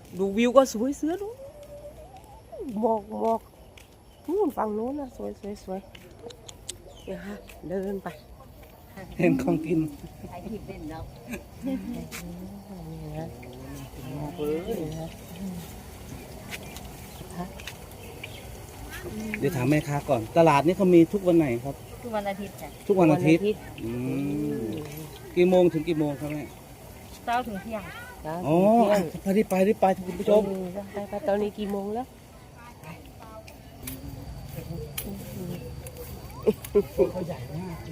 ดูวิวก็สวยเสือดูหมอกนู่นฝั่งโน้นนะสวยเนี่ยฮะเดินไปเห็นของกินใช้ทิพย์เล่นแล้วเดี๋ยวถามแม่ค้าก่อนตลาดนี้เขามีทุกวันไหนครับทุกวันอาทิตย์จ้ะทุกวันอาทิตย์กี่โมงถึงกี่โมงครับแม่เช้าถึงเที่ยงอ๋อไปคุณผู้ชมไปตอนนี้กี่โมงแล้วเขาใหญ่มาก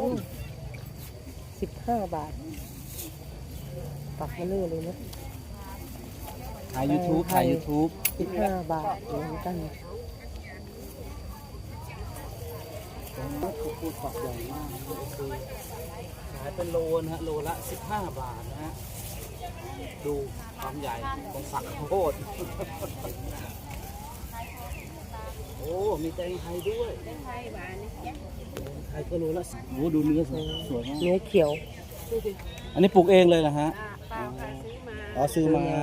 15 บาทปักมาเลยนะถ่าย YouTube 15 บาทเหมือนกันเขาพูดปักใหญ่มากขายเป็นโลนะฮะโลละ15 บาทนะฮะดูความใหญ่ของฝักข้าวโพดโอ้มีแตงไทยด้วยแตงไทยหวานไทยก็โลละโอ้ดูเนื้อสวยมากเนื้อเขียวอันนี้ปลูกเองเลยนะฮะซื้อมา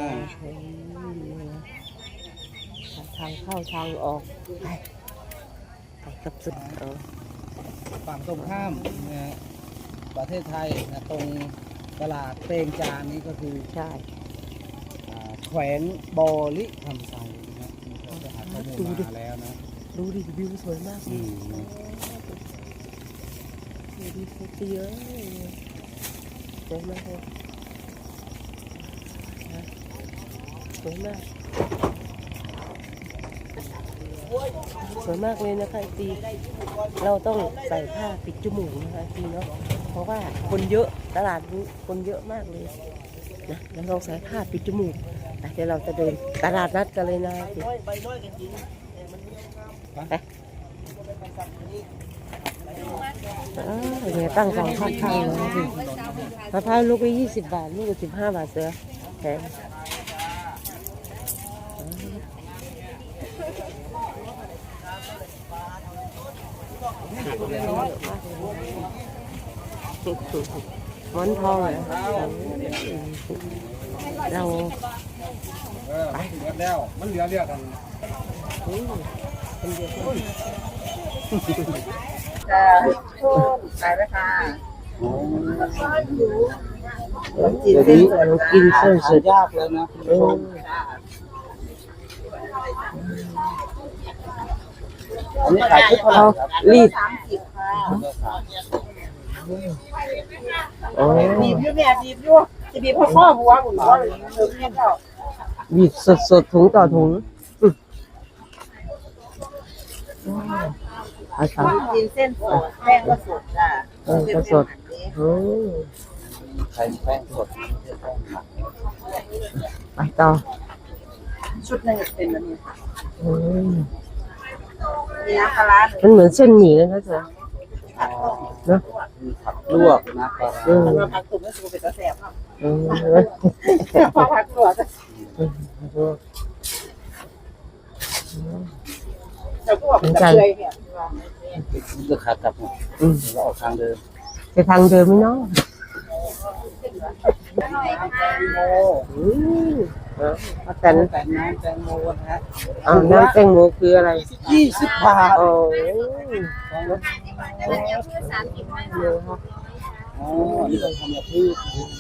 ทางเข้าทางออกไปกับสุดฝั่งตรงข้ามนะฮะประเทศไทยนะตรงตลาดเตงจานนี้ก็คือใช่แขวงบอลิคำไซนะฮะเขาจะหาข้อมูลมาแล้วนะดูดิวิวสวยมากดูดิสวยเยอะสวยมากเลยสวยมากเลยนะคะตีเราต้องใส่ผ้าปิดจมูกนะคะตีเนาะเพราะว่าคนเยอะตลาดนี้คนเยอะมากเลยนะเราลองใส่ผ้าปิดจมูกเดี๋ยวเราจะเดินตลาดนัดกันเลยนะเนี่ยตั้งสองข้างๆเลยมะพร้าวลูกละ20 บาทลูกละ15 บาทเสือแพงหมอนทองเหรอเราไปแล้วมันเหลือเรียกกันขายราคาเดี๋ยวนี้เรากินเส้นสุดยากเลยนะอันนี้ขายทุกคนรีดบีบอยู่แม่บีบอยู่จะบีบข้อหัวผมว่าบีบสดถุงต่อถุงกินเส้นสดแป้งก็สดจ้ะก็สดใช้แป้งสดไปต่อชุดนึงเป็นแบบนี้นี่นะปลามันเหมือนเส้นหมี่เลยนะจ๊ะเนาะผักลวกนะผักตุ๋นก็สูเป็นกระแสบครับผักลวกจะพวกจะเลยเนี่ยจะขากลับเราออกทางเดิมจะทางเดิมไหมเนาะแตงน้ำแตงโมนะฮะน้ำแตงโมคืออะไร 20 บาทโอ้นี่เราทำแบบพืช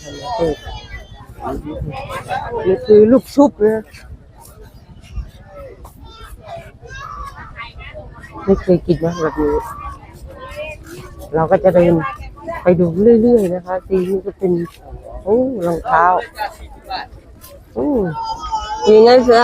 นี่คือลูกชุบนะไม่เคยกินนะแบบนี้เราก็จะเดินไปดูเรื่อยๆนะคะทีนี้ก็เป็นรองเท้ายังไงเสือ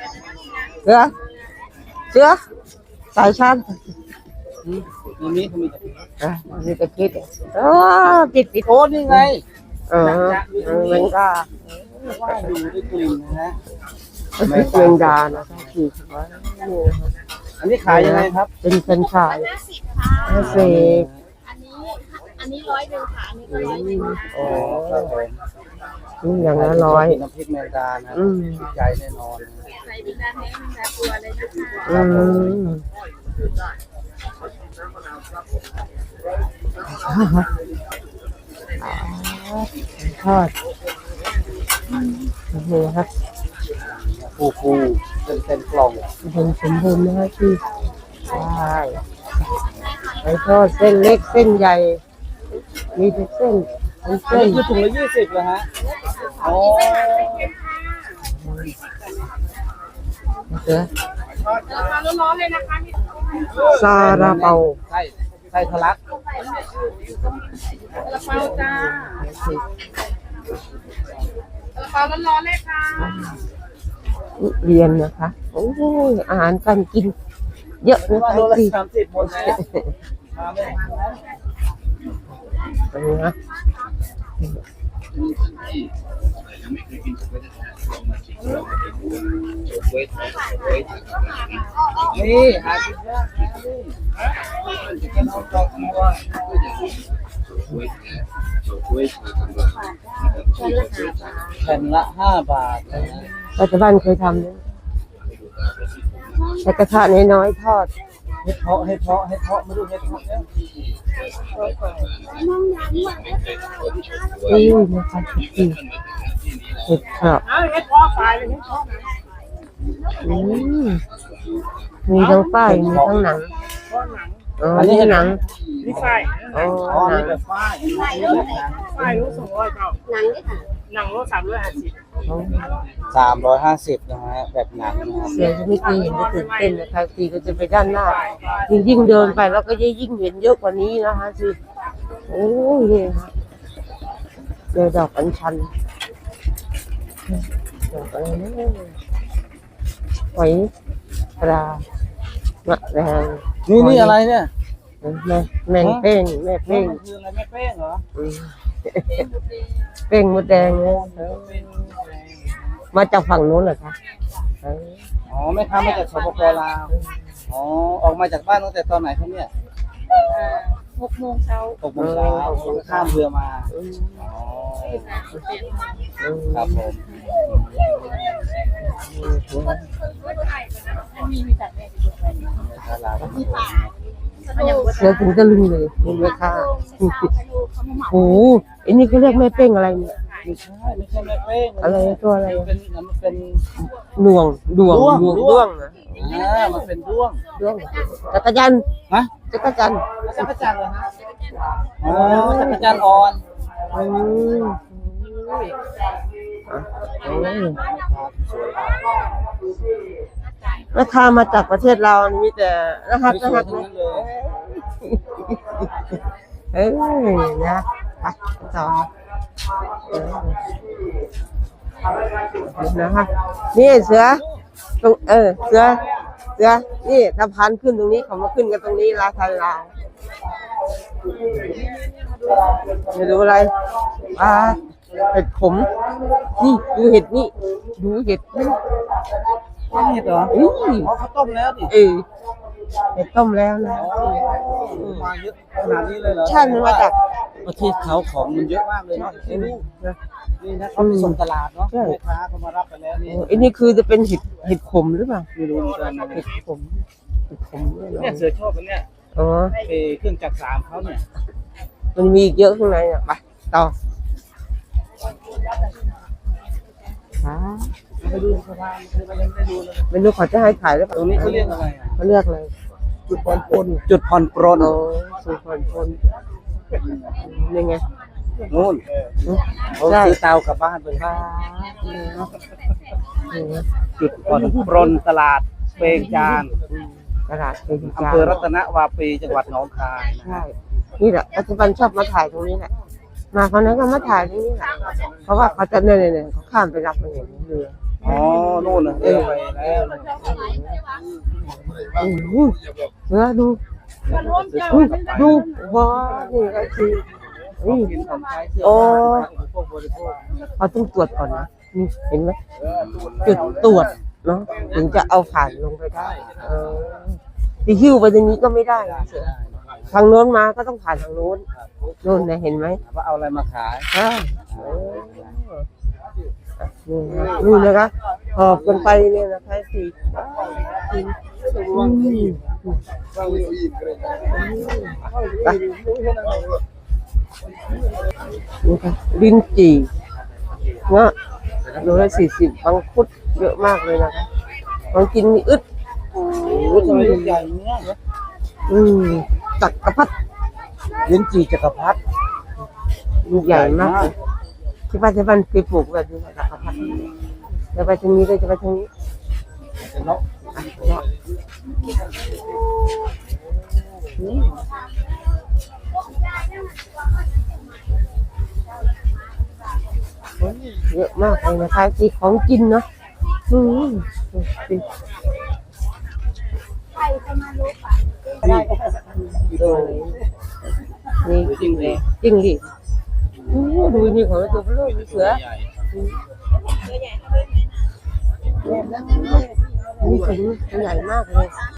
สายชั้นนี่เขามีตะคิดปิดโอ้นี่ไงแมงดาว่าดูด้วยกลิ่นนะฮะแมงดานะคะคืออันนี้ขายยังไงครับเป็นเฟรนช์ฟราย50 อันนี้100ค่ะอันนี้ก็100 อ๋อครับผมอย่างละ100 น้ำพริกแมงดานะติดใจแน่นอนใส่บิดาแท้บิดาตัวเลยนะคะทอดนี่ครับฟูเป็นกล่องเป็นสมบูรณ์นะคะที่ใช่ไก่ทอดเส้นเล็กเส้นใหญ่ มีทุกเส้นเป็นอันเส้นนี้คือถุงละ20เหรอฮะโอ้เสือร้อนๆเลยนะคะซาลาเปาไส้ทะลักกระเป๋าจ้า เปาร้อนๆเลยค่ะเรียนนะคะโอ้ยอาหารการกิน เยอะนะว่าคะโลละที่ 30หมดแล้วมาแม่นะนี่หากินยากนะนี่กินเอาดอกบัวแผ่นละ5 บาทนะปัจจุบันเคยทำนะใช้กระทะน้อยๆทอดให้เพาะมาดูเห็ดเพาะเนี่ยนะคะที่เห็ดเผาะเฮ็ดพอไฟเลยเฮ็ดพอมีทั้งป้ายมีทั้งหนังอ๋อนี่หนังนี่ไฟอ๋ออ๋อหนันี่งแบบฝ้ายนี่แบบหนังไฟรู้200เจ้าหนังนี่ค่ะหนังโล350 350นะฮะแบบหนังนะครับเสียงจะไม่เคยเห็นจะตื่นเต้นนะคะทีก็จะไปด้านหน้ายิ่งเดินไปแล้วก็ยิ่งเห็นเยอะกว่านี้นะคะสิโอ้ยเนี่ยค่ะเจอดอกอัญชันดอกอะไรนะหอยปลามะแรงนี่อะไรเนี่ยแมงเป้งแม่เป้งมันคืออะไรแม่เป้งเหรออืมเป้งมดแดงเนี่ยมาจากฝั่งโน้นเหรอคะอ๋อแม่ค้ามาจากสปปลาวอ๋อออกมาจากบ้านตั้งแต่ตอนไหนครับเนี่ย 6 โมงเช้า 6 โมงเช้าข้ามเรือมาอ๋อครับผมมีแต่แม่ครับลาวเสือถึงจะลึงเลยนี่แม่ค้าโอ้โหอันนี้ก็เรียกแม่เป้งอะไรเนี่ยไม่ใช่แม่เป้งอะไรตัวอะไรมันเป็นหน่วงด้วงด้วงนะมันเป็นด้วงด้วงจักรจันทร์ฮะจักรจันทร์จักรจันทร์เหรอฮะอ๋อจักรจันทร์อ่อนอืมโอ้ยราคามาจากประเทศเรานี่มีแต่รหัสสวยๆทั้งนะนั้นเลยเอ้ยนะไปต่อนะคะนี่เสือตรงเสือนี่สะพานขึ้นตรงนี้เขามาขึ้นกันตรงนี้ราคาลาวไม่รู้อะไรเห็ดขมนี่ดูเห็ดนี่ดูเห็ดนี่นี่เหรออุ้ยอ๋อเขาต้มแล้วดิเห็ดต้มแล้วนะมาเยอะขนาดนี้เลยเหรอใช่มันมาจากประเทศเขาของมันเยอะมากเลยเนาะที่นี่นี่นะเขาไปส่งตลาดเนาะแม่ค้าเขามารับไปแล้วนี่อันนี้คือจะเป็นเห็ดขมหรือเปล่าไม่รู้เหมือนกันนะเห็ดขมเนี่ยเหรอเนี่ยเสือชอบอันเนี่ยอ๋อเครื่องจักรสามเขาเนี่ยมันมีอีกเยอะข้างในอ่ะไปต่อไปดูสะพานคือมันยังไม่ได้ดูเลยไม่รู้เขาจะให้ขายหรือเปล่าตรงนี้เขาเรียกอะไรอ่ะเขาเรียกอะไรจุดผ่อนปลนจุดผ่อนปลนโอ้สุพรรณพลนี่ไงนู่นเขาใช่ซื้อเตากลับบ้านไปค่ะจุดผ่อนปลนตลาดเปงจานตลาดเป็นอำเภอรัตนวาปีจังหวัดหนองคายนะใช่นี่แหละปัจจุบันชอบมาถ่ายตรงนี้แหละมาคนนั้นก็มาถ่ายตรงนี้แหละเพราะว่าเขาจะเนี่ยเขาข้ามไปรับมาเห็นเรืออ๋อนู่นนะเรือไปแล้วนะเสือดูดูว้านี่ก็คือกินของใช้เสื้อโอ้ผ้าพวกบริโภคเขาต้องตรวจก่อนนะนี่เห็นไหมจุดตรวจเนาะถึงจะเอาผ่านลงไปได้ที่หิ้วไปตรงนี้ก็ไม่ได้นะเสือทางโน้นมาก็ต้องผ่านทางโน้นโน้นนะเห็นไหมว่าเอาอะไรมาขายนี่นะคะหอบกันไปเนี่ยนะคะสี่ลิ้นจี่เงาะโลละ40มังคุดเยอะมากเลยนะคะลองกินมีอึดโอ้ทำไมลูกใหญ่เนี้ยจักรพรรดิลิ้นจี่จักรพรรดิลูกใหญ่มากเลยที่บ้านไปปลูกแบบนี้จักรพรรดิจะไปทางนี้เลยจะไปทางนี้เนาะเยอะมากเลยนะคะที่ของกินเนาะอืมนี่จริงเลยจริงดิดูนี่ของตัวเบลอมีเสือนี่ถึงใหญ่มากเลย